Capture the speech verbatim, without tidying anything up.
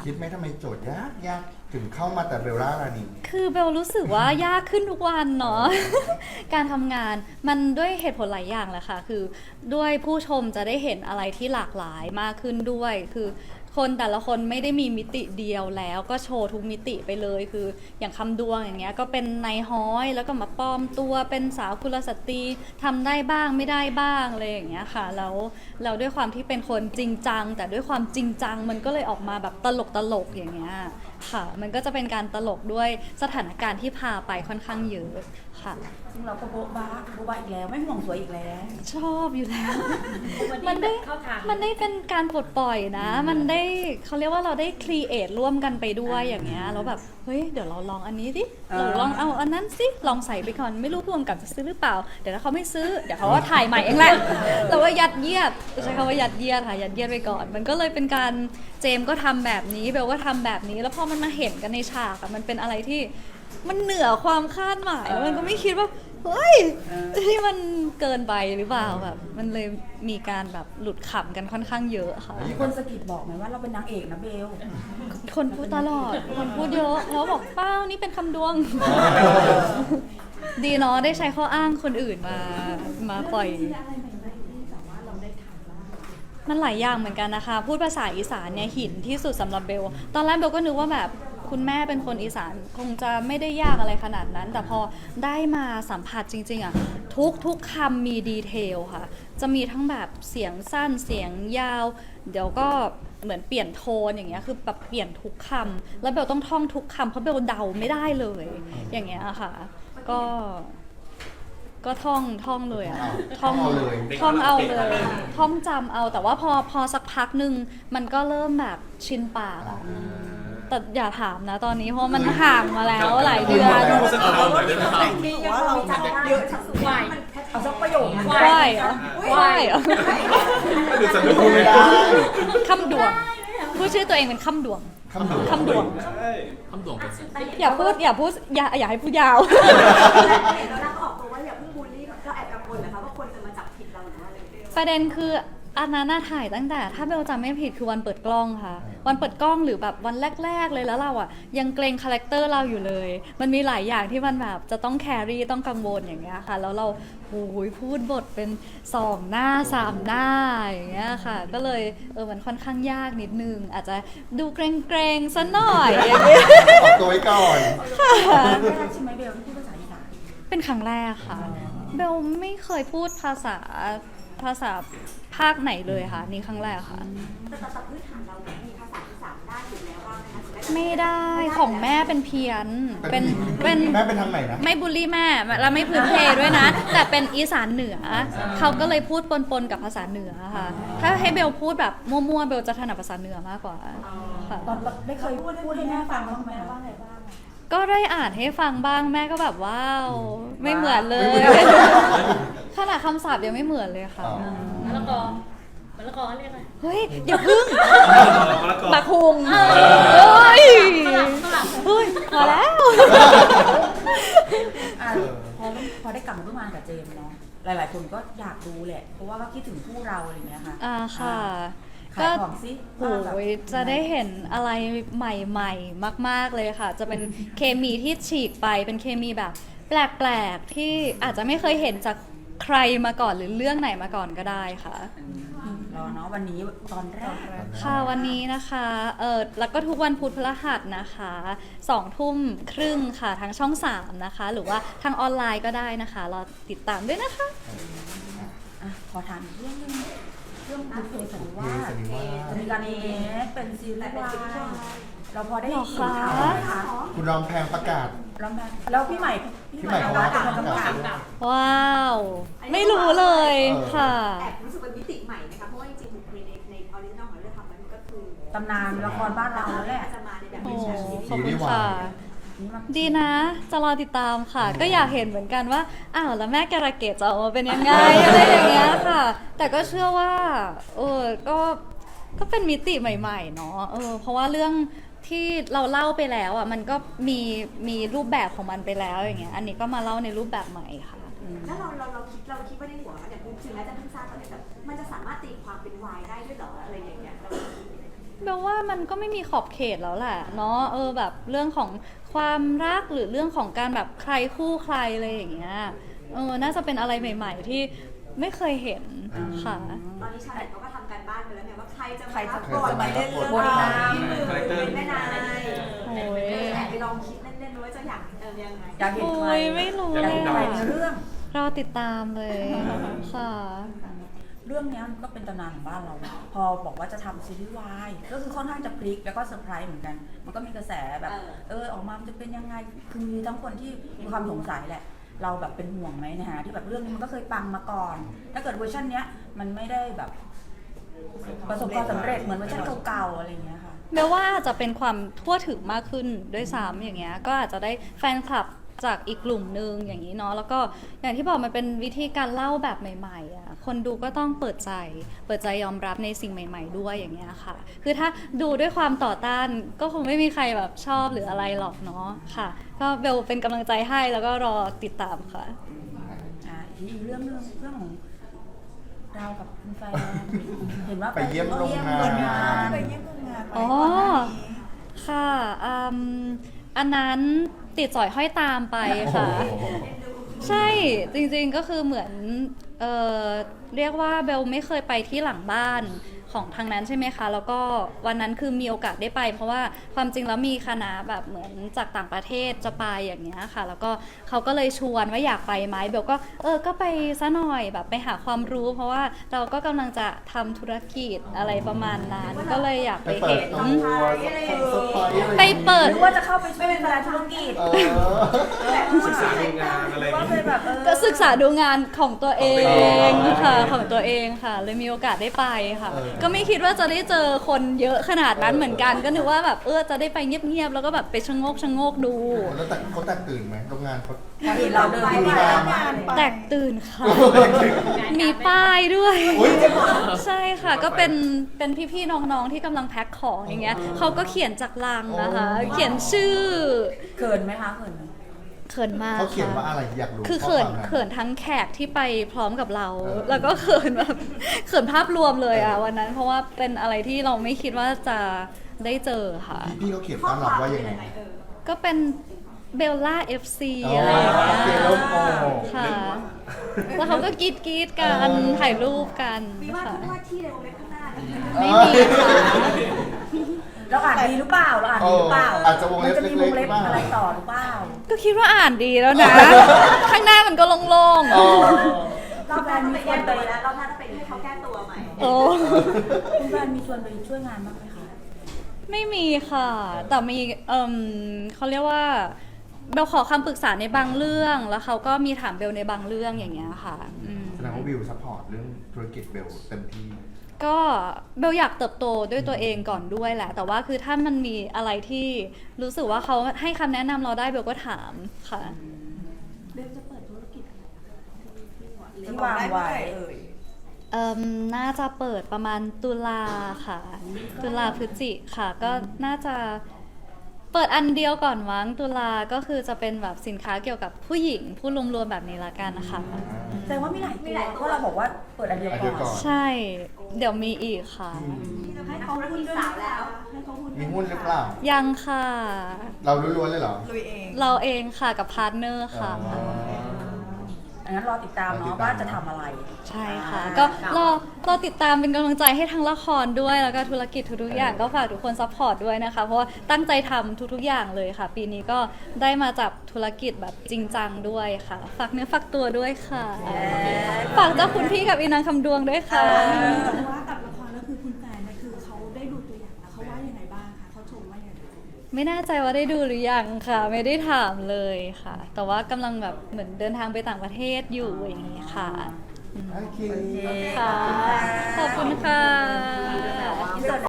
คิดไหมทำไมโจทย์ยากยากถึงเข้ามาแต่เบลล่ารานีคือเบลรู้สึกว่ายากขึ้นทุกวันเนาะ การทำงานมันด้วยเหตุผลหลายอย่างแหละค่ะคือด้วยผู้ชมจะได้เห็นอะไรที่หลากหลายมากขึ้นด้วยคือคนแต่ละคนไม่ได้มีมิติเดียวแล้วก็โชว์ทุกมิติไปเลยคืออย่างคำดวงอย่างเงี้ยก็เป็นนายฮ้อยแล้วก็มาปลอมตัวเป็นสาวกุลสตรีทำได้บ้างไม่ได้บ้างอะไรอย่างเงี้ยค่ะแล้วเราด้วยความที่เป็นคนจริงจังแต่ด้วยความจริงจังมันก็เลยออกมาแบบตลกตลกๆอย่างเงี้ยค่ะมันก็จะเป็นการตลกด้วยสถานการณ์ที่พาไปค่อนข้างเยอะค่ะซึ่งเราก็โบ๊ะบ้าโบ๊ะบ้าอีกแล้วไม่ห่วงสวยอีกแล้วชอบอยู่แล้วมัมันนได้เข้าทางมันได้เป็นการปลดปล่อยนะ มันได้เขาเรียกว่าเราได้ครีเอทร่วมกันไปด้วยอย่างเงี้ยแล้วแบบเฮ้ยเดี๋ยวเราลองอันนี้สิเราลองเอาอันนั้นสิลองใส่ไปก่อนไม่รู้พ่วงกับจะซื้อหรือเปล่าเดี๋ยวถ้าเขาไม่ซื้อเดี๋ยวเขาก็ถ่ายใหม่เองแหละเราว่ายัดเยียดใช้คำว่ายัดเยียดค่ะยัดเยียดไปก่อน มันก็เลยเป็นการเจมส์ก็ทำแบบนี้เบลก็ทำแบบนี้แล้วพอมันมาเห็นกันในฉากอะมันเป็นอะไรที่มันเหนือความคาดหมายแล้วมันก็ไม่คิดว่าเฮ้ยที่มันเกินไปหรือเปล่าแบบมันเลยมีการแบบหลุดขำกันค่อนข้างเยอะค่ะมีคนสะกิดบอกไหมว่าเราเป็นนางเอกนะเบลคนพูดตลอดคนพูดเยอะแล้วบอกเป้านี่เป็นคำดวง ดีเนาะได้ใช้ข้ออ้างคนอื่นมามาปล่อย มันหลายอย่างเหมือนกันนะคะ พูดภาษาอีสานเนี่ยหินที่สุดสำหรับเบล ตอนแรกเบลก็นึกว่าแบบคุณแม่เป็นคนอีสานคงจะไม่ได้ยากอะไรขนาดนั้น แต่พอได้มาสัมผัสจริงๆอ่ะทุกทุกคำมีดีเทลค่ะ จะมีทั้งแบบเสียงสั้นเสียงยาว เดี๋ยวก็เหมือนเปลี่ยนโทนอย่างเงี้ยคือแบบเปลี่ยนทุกคำแล้วเบลต้องท่องทุกคำเพราะเบลเดาไม่ได้เลย อย่างเงี้ยค่ะ ก็ ก็ท่องท่องเลยอะอ้าวท่องท่องเอาเลยท่องเอาเลย ท่องจำเอา แต่ว่าพอพอสักพักหนึ่งมันก็เริ่มแบบชินปากอะแต่อย่าถามนะตอนนี้เพราะมันห่างมาแล้วหลายเดือนพูดสักคำหน่อยได้ไหมครับนี่ยังพอมีจำได้เยอะที่สุดไหวเอาสักประโยคนึงไหวเหรอไหวเหรอคือจะไม่พูพูดดไม่ไม่ได้ได้คำดวงพูดชื่อตัวเองเป็นคำดวงคำดวงคำดวงคำดวงเป็นสิ่งอย่าพูดอย่าพูดอย่าอย่าให้พูดยาวแล้วเราก็ออกตัวว่าอย่าเพิ่งบูลลี่เราแอบกังวลนะคะว่าคนจะมาจับผิดเราหรือว่าอะไรเงี้ยประเด็นคืออันนั้นน่าถ่ายตั้งแต่ถ้าเบลจำไม่ผิดคือวันเปิดกล้องค่ะ วันเปิดกล้องหรือแบบวันแรกๆเลยแล้วเราอ่ะยังเกรงคาแรคเตอร์เราอยู่เลย มันมีหลายอย่างที่มันแบบจะต้องแครี่ต้องกังวลอย่างเงี้ยค่ะ แล้วเราโอ้ยพูดบทเป็นสองหน้าสามหน้าอย่างเงี้ยค่ะ ก็เลยเออมันค่อนข้างยากนิดนึงอาจจะดูเกรงๆซะหน่อยอย่างเงี้ยออกตัวไว้ก่อนไม่ได้ใช่ไหมเบลที่พูดภาษาอีสานเป็นครั้งแรกค่ะเบลไม่เคยพูดภาษาภาษาภาคไหนเลยค่ะนี่ครั้งแรกค่ะแต่แต่แต่พื้นฐานเราเนี่ยมีภาษาอีสานได้อยู่แล้วบ้างนะคะถึงแม้จะไม่ได้ของแม่เป็นเพี้ยนเป็นเป็นแม่เป็นทางไหนนะไม่บูลลี่แม่แล้วไม่พื้นเพด้วยนะ แต่เป็นอีสานเหนือเขาก็เลยพูดปนๆกับภาษาเหนือค่ะ ถ้าให้เบลพูดแบบมั่วๆเบลจะถนัดภาษาเหนือมากกว่าค่ะตอนได้เคยพูดพูดให้แม่ฟังบ้างไหมคะก็ได้อ่านให้ฟังบ้างแม่ก็แบบว้าวไม่เหมือนเลย ขนาดคำศัพท์ยังไม่เหมือนเลยค่ะอ๋อมะละกอมะละกอเรียกอะไรเฮ้ยอย่าพึ่งมะละกอบักฮุงเฮ้ยฝรั่งฝรั่งเฮ้ยพอแล้วอ่ะพอพอได้กลับมาร่วมงานกับเจมส์เนาะหลาย ๆ คนก็อยากดูแหละ เพราะว่าก็คิดถึงคู่เราอะไรอย่างเงี้ยค่ะอ่าค่ะขายของซิโอ้ยจะได้เห็นอะไรใหม่ๆ มากๆเลยค่ะ จะเป็นเคมีที่ฉีกไปเป็นเคมีแบบ แปลกๆที่อาจจะไม่เคยเห็นจากใครมาก่อนหรือเรื่องไหนมาก่อนก็ได้ค่ะรอเนาะวันนี้ตอนแรกค่ะวันนี้นะคะเออแล้วก็ทุกวันพุธพฤหัสนะคะสองทุ่มครึ่งค่ะทางช่องสามนะคะ หรือว่าทางออนไลน์ก็ได้นะคะรอติดตามด้วยนะคะอ่ะขอถามอีกเรื่องหนึงเรื่องบุพเพสันนิวาบุพเพสัสนนิวาสจะมีการเอเป็นซีรีส์วายเราพอได้หรอยินคะข่าวไหมคะคุณรอมแพงประกาศแล้วแม่แล้วพี่ใหม่พี่ใหม่รัตน์เป็นคนกำกับว้าว ไม่รู้เลยค่ะแอบรู้สึกเป็นมิติใหม่นะคะเพราะว่าจริงๆบุคคลในในออริจินอลของเรื่องทำมันก็คือตำนานละครบ้านเราแล้วแหละจะมาในแบบโอ้เป็นแชร์ซีรีขอบส์คุณค่ะนี่มันดีนะ จะรอติดตามค่ะ ก็อยากเห็นเหมือนกันว่า อ้าว แล้วแม่การะเกดจะออกมาเป็นยังไง อะไรอย่างเงี้ยค่ะ แต่ก็เชื่อว่า เออ ก็ ก็เป็นมิติใหม่ๆ เนาะ เออ เพราะว่าเรื่องที่เราเล่าไปแล้วอ่ะ มันก็มี มีรูปแบบของมันไปแล้วอย่างเงี้ย อันนี้ก็มาเล่าในรูปแบบใหม่ค่ะแล้วเราเราเราคิดเราคิดว่าในหัวอย่างถึงแม้จะเพิ่งทราบตอนนี้แบบมันจะสามารถตีความเป็นวายได้ด้วยเหรออะไรอย่างเงี้ยเราคิดยังไงแปลว่ามันก็ไม่มีขอบเขตแล้วแหละเนาะเออแบบเรื่องของความรักหรือเรื่องของการแบบใครคู่ใครอะไรอย่างเงี้ยเออน่าจะเป็นอะไรใหม่ ๆ ที่ไม่เคยเห็นค่ะตอนนี้ชาวเน็ตเขาก็ทำการบ้านไปแล้วไงว่าใครจะใครมาจะรับบทมาเล่นเรื่องบทนพี่มือคาแรคเตอร์เป็นแม่นายโอ้ยแอบไปลองคิดเล่นๆว่าจะอยากเออยังไงอยากเห็นโอ้ใครยไม่รู้อยากเลเห็ยนใครอะในเรื่องรอติดตามเลยค่ะเรื่องเนี้ยมันก็เป็นตำนานของบ้านเรา พอบอกว่าจะทำซีรีส์วายก็คือค่อนข้างจะพลิกแล้วก็เซอร์ไพรส์เหมือนกัน มันก็มีกระแสแบบเออเออออกมามันจะเป็นยังไง คือมีทั้งคนที่มีความสงสัยแหละ เราแบบเป็นห่วงไหมนะฮะที่แบบเรื่องนี้มันก็เคยปังมาก่อน ถ้าเกิดเวอร์ชันเนี้ยมันไม่ได้แบบประสบความสำเร็จเหมือนเวอร์ชันเก่าๆอะไรอย่างเงี้ยค่ะแม้ว่าอาจจะเป็นความทั่วถึงมากขึ้นด้วยซ้ำอย่างเงี้ยก็อาจจะได้แฟนคลับจากอีกกลุ่มนึงอย่างนี้เนาะแล้วก็อย่างที่บอกมันเป็นวิธีการเล่าแบบใหม่ๆอ่ะคนดูก็ต้องเปิดใจเปิดใจยอมรับในสิ่งใหม่ ๆ ด้วยอย่างเงี้ยค่ะคือถ้าดูด้วยความต่อต้านก็คงไม่มีใครแบบชอบหรืออะไรหรอกเนาะค่ะก็เบลเป็นกำลังใจให้แล้วก็รอติดตามค่ะอ่าอีกเรื่องหนึงเรื่องของเรากับคุณแฟนเห็นว่าไปเยี่ยมโรงงานไปเยี่ยมโรงงานไปเยี่ยมโรงงานอ๋อ ค่ะอืมอันนั้นติดสอยห้อยตามไปค่ะโอ้โหใช่จริงๆก็คือเหมือนเออเรียกว่าเบลไม่เคยไปที่หลังบ้านของทางนั้นใช่ไหมคะแล้วก็วันนั้นคือมีโอกาสได้ไป เพราะว่าความจริงแล้วมีคณะแบบเหมือนจากต่างประเทศจะไปอย่างเงี้ยค่ะแล้วก็เขาก็เลยชวนว่าอยากไปไหมเบลก็เออก็ไปซะหน่อยแบบไปหาความรู้ เพราะว่าเราก็กำลังจะทำธุรกิจอะไรประมาณนั้นก็เลยอยากไปไปเปิเห็ดนตัวเซอร์ไพรส์อะไรไปเปิดหรือว่าจะเข้าไปช่วยเป็นธุรกิจเออศึกษาดูงานอะไรหรือว่านี้เป็นแบบเออก็ศึกษาดูงานของตัวเอของตัวเองงค่ะของตัวเองค่ะ เลยมีโอกาสได้ไปค่ะเออก็ไม่คิดว่าจะได้เจอคนเยอะขนาดนั้นเหมือนกัน ก็นึกว่าแบบเออจะได้ไปเงียบๆแล้วก็แบบไปชะโงกชะโงกดูแล้วแต่เขาแตกตื่นไหมโรงงานเขาเขาเห็นเราเดินไปไปไปมางานไปแตกตื่นค่ะ มีป้ายด้วยอุ๊ยใช่ค่ะก็เป็นเป็นพี่ๆน้องๆที่กำลังแพ็คของอย่างเงี้ยเขาก็เขียนจากลังนะคะ เขียนชื่อเขินไหมคะเขินไหมเขินมากเขาเขียนค่ะว่าอะไรอยากรู้คือเขินข้อความเขินทั้งแขกที่ไปพร้อมกับเราเออแล้วก็เขินแบบ เขินภาพรวมเลยอ่ะวันนั้น เพราะว่าเป็นอะไรที่เราไม่คิดว่าจะได้เจอค่ะพี่พี่เขาเขียนข้อต้อนครับวามว่าเป็ยันงไงยังไงเออก็เป็นเบลล่า เอฟ ซีอ๋ออะไรอย่างเงี้ยเขียนแล้วโอ้ค่ะ แล้วเขาก็กรีดกรีดๆกันเออถ่ายรูปกันมีว่าค่ะที่ว่าที่ในวงเล็บข้างหน้าเนี่ยไม่มีค่ะเราอ่านดีหรือเปล่าเราอ่านดีหรือเปล่าเอออาจจะวงเล็บมันจะมีวงเล็บเล็กๆบ้างอะไรต่อหรือเปล่าก็คิดว่าอ่านดีแล้วนะ ข้างหน้ามันก็โล่งอ๋อรอบหน้าต้องไปแก้ตัวแล้วรอบหน้าต้องไปให้เขาแก้ตัวใหม่ๆโอ้คุณแฟนมีชวนไปช่วยงานบ้างไหมคะไม่มีค่ะ แต่มีเอ่มเขาเรียกว่าเบลขอคำปรึกษาในบางเรื่อง แล้วเขาก็มีถามเบลในบางเรื่องอย่างเงี้ยค่ะอืมแสดงว่าวิวซัพพอร์ตเรื่องธุรกิจเบลเต็มที่ก็เบลอยากเติบโตด้วยตัวเองก่อนด้วยแหละ แต่ว่าคือถ้ามันมีอะไรที่รู้สึกว่าเขาให้คำแนะนำเราได้เบลก็ถามค่ะเบลจะเปิดธุรกิจอะไรนะคะที่ที่วางไว้เอ่มน่าจะเปิดประมาณตุลาค่ะ ตุลาพฤศจิค่ะ ก็น่าจะเปิดอันเดียวก่อนมั้งตุลาก็คือจะเป็นแบบสินค้าเกี่ยวกับผู้หญิงผู้รวมๆแบบนี้ละกันนะคะแสดงว่ามีหลายตัวเพราะเราบอกว่าเปิดอันเดียวอันเดียวก่ก่ออน นใช่ เดี๋ยวมีอีกค่ะที่จะให้เขาพูดสาวแล้วให้เขาพูดมีหุ้นหรือเปล่ายังค่ะเราล้วนๆเลยเหรอลุยเองเราเองค่ะกับพาร์ทเนอร์ค่ะอ๋ออันนั้นรอติดตามรอติดเนาะตามว่าจะทำอะไรใช่ค่ะอ่าก็รอรอติดตามเป็นกำลังใจให้ทั้งละครด้วยแล้วก็ธุรกิจทุกๆอย่างก็ฝากทุกคนซัพพอร์ตด้วยนะคะ เพราะว่าตั้งใจทำทุกๆอย่างเลยค่ะ ปีนี้ก็ได้มาจับธุรกิจแบบจริงจังด้วยค่ะ ฝากเนื้อฝากตัวด้วยค่ะ ฝากเจ้าคุณพี่กับอีนางคำดวงด้วยค่ะแต่ว่ากับละครก็คือคุณแฟนเนี่ยคือเขาได้ดูตัวอย่างแล้วเขาว่ายังไงบ้างคะเขาชมว่ายังไงไม่แน่ใจว่าได้ดูหรือยังค่ะ ไม่ได้ถามเลยค่ะ แต่ว่ากำลังแบบเหมือนเดินทางไปต่างประเทศอยู่อย่างนี้ค่ะโอเคค่ะ ขอบคุณค่ะที่สุด